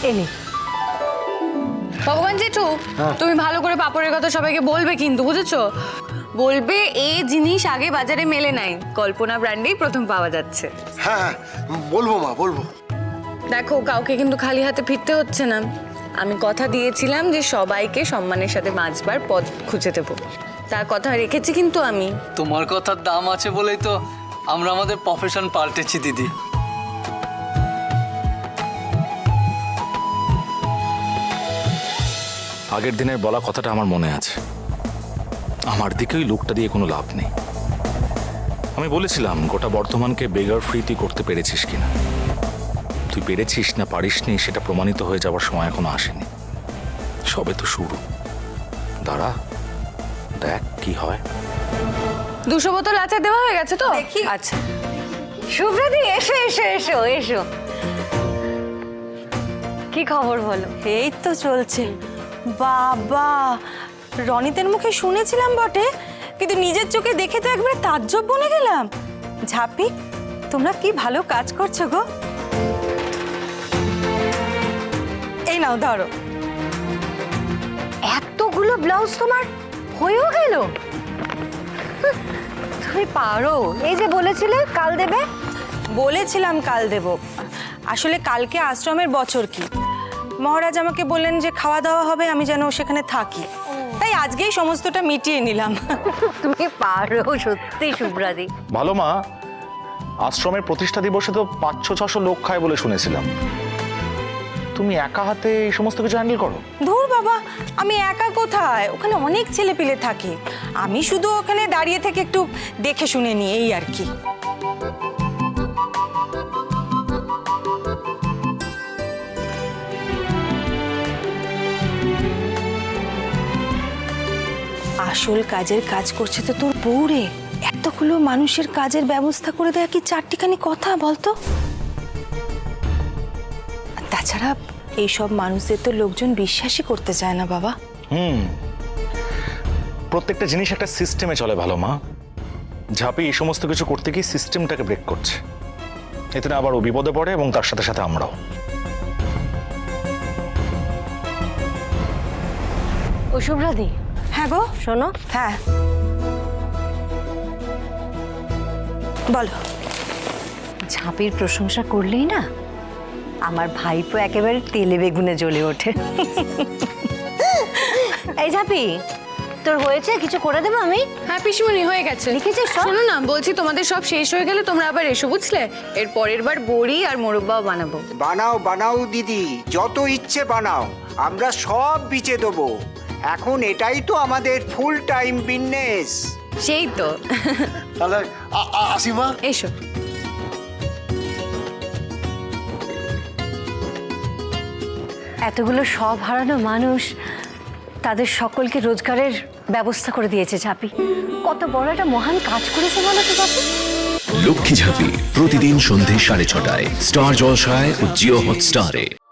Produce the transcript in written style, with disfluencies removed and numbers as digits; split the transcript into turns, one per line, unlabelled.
এনে
ভগবান জেঠু, তুমি ভালো করে পাপড়ের কথা সবাইকে বলবে কিন্তু, বুঝেছো? বলবে এই জিনিস আগে বাজারে মেলে নাই, কল্পনা ব্র্যান্ডেই প্রথম পাওয়া যাচ্ছে।
হ্যাঁ বলবো মা, বলবো।
দেখো, কাউকে কিন্তু খালি হাতে ফিরতে হচ্ছে না। আমি কথা দিয়েছিলাম যে সবাইকে সম্মানের সাথে বাঁচবার পথ খুঁজে দেবো, তার কথা রেখেছি কিন্তু আমি।
তোমার কথার দাম আছে বলেই তো আমরা আমাদের প্রফেশন পাল্টেছি দিদি।
আগের দিনের বলা কথাটা আমার মনে আছে। আমার দিকেই লোকটা দিয়ে কোনো লাভ নেই। আমি বলেছিলাম গোটা বর্ধমানকে বেগার ফ্রি তুই করতে পেরেছিস কিনা। তুই পেরেছিস না পারিসনি সেটা প্রমাণিত হয়ে যাওয়ার সময় এখনো আসেনি, সবে তো শুরু। দাঁড়া, দেখ কি হয়।
200 বোতল আচার দেওয়া হয়ে গেছে তো?
দেখি।
আচ্ছা,
শুভ্রাদি, এসো এসো এসো এসো। কি খবর বলো? এই তো চলছে। বাবা, রনিতের মুখে শুনেছিলাম বটে, কিন্তু নিজের চোখে দেখে তো একবারে তাজ্জব বনে গেলাম। ঝাপি, তোমরা কি ভালো কাজ করছো গো। এই নাও ধরো।
এতগুলো ব্লাউজ তোমার হয়েও গেল? তুমি পারো। এই যে বলেছিলে কাল দেবে।
বলেছিলাম কাল দেব, আসলে কালকে আশ্রমের বছর কি, মহারাজ আমাকে বললেন যে খাওয়া দাওয়া হবে, আমি যেন সেখানে থাকি, তাই আজকেই সমস্তটা মিটিয়ে নিলাম।
তুমি পারো সত্যি শুভ্রাদি।
ভালো মা, আশ্রমের প্রতিষ্ঠা দিবসে তো 500-600 লোক খায় বলে শুনেছিলাম। তুমি একা হাতে এই সমস্ত কিছু হ্যান্ডেল করো?
ধুর বাবা, আমি একা কোথায়, ওখানে অনেক ছেলেপিলে থাকে, আমি শুধু ওখানে দাঁড়িয়ে থেকে একটু দেখে শুনে নিই, এই আর কি। আসল কাজের কাজ করছে তো তোর বউ রে। এতগুলো মানুষের কাজের ব্যবস্থা করে দেয়া কি চারটিখানি কথা বলতো? আর তাছাড়া এইসব মানুষদের তো লোকজন বিশ্বাসই করতে চায় না বাবা।
প্রত্যেকটা জিনিস একটা সিস্টেমে চলে ভালো মা। ঝাঁপি এই সমস্ত কিছু করতে গিয়ে সিস্টেমটাকে ব্রেক করছে, এতে না আবার ও বিপদে পড়ে এবং তার সাথে সাথে আমরাও।
ও শুভ্রাদি,
হ্যাঁ গো।
শোনো,
হ্যাঁ বলো।
ঝাঁপির প্রশংসা করলেই না আমার ভাইপো একেবারে তেলে বেগুনে জ্বলে ওঠে। এই ঝাঁপি, তোর হয়েছে? কিছু করে দেবো আমি?
হ্যাঁ পিসিমণি, হয়ে গেছে।
লিখেছিস সব?
শোনো না, বলছি তোমাদের সব শেষ হয়ে গেলে তোমরা আবার এসো, বুঝলে? এর পরের বার বড়ি আর মোরব্বাও বানাবো।
বানাও বানাও দিদি, যত ইচ্ছে বানাও, আমরা সব বিচে দেবো। এখন এটাই তো আমাদের ফুল টাইম বিজনেস।
সেই তো।
তাহলে আসি মা।
এসো।
এতগুলো সব হারানো মানুষ, তাদের সকলকে রোজগারের ব্যবস্থা করে দিয়েছে ঝাঁপি। কত বড় একটা মহান কাজ করেছে বলো তো ঝাঁপি।
লক্ষ্মী ঝাঁপি প্রতিদিন সন্ধে 6:30টায় স্টার জলসায় ও জিও হটস্টারে।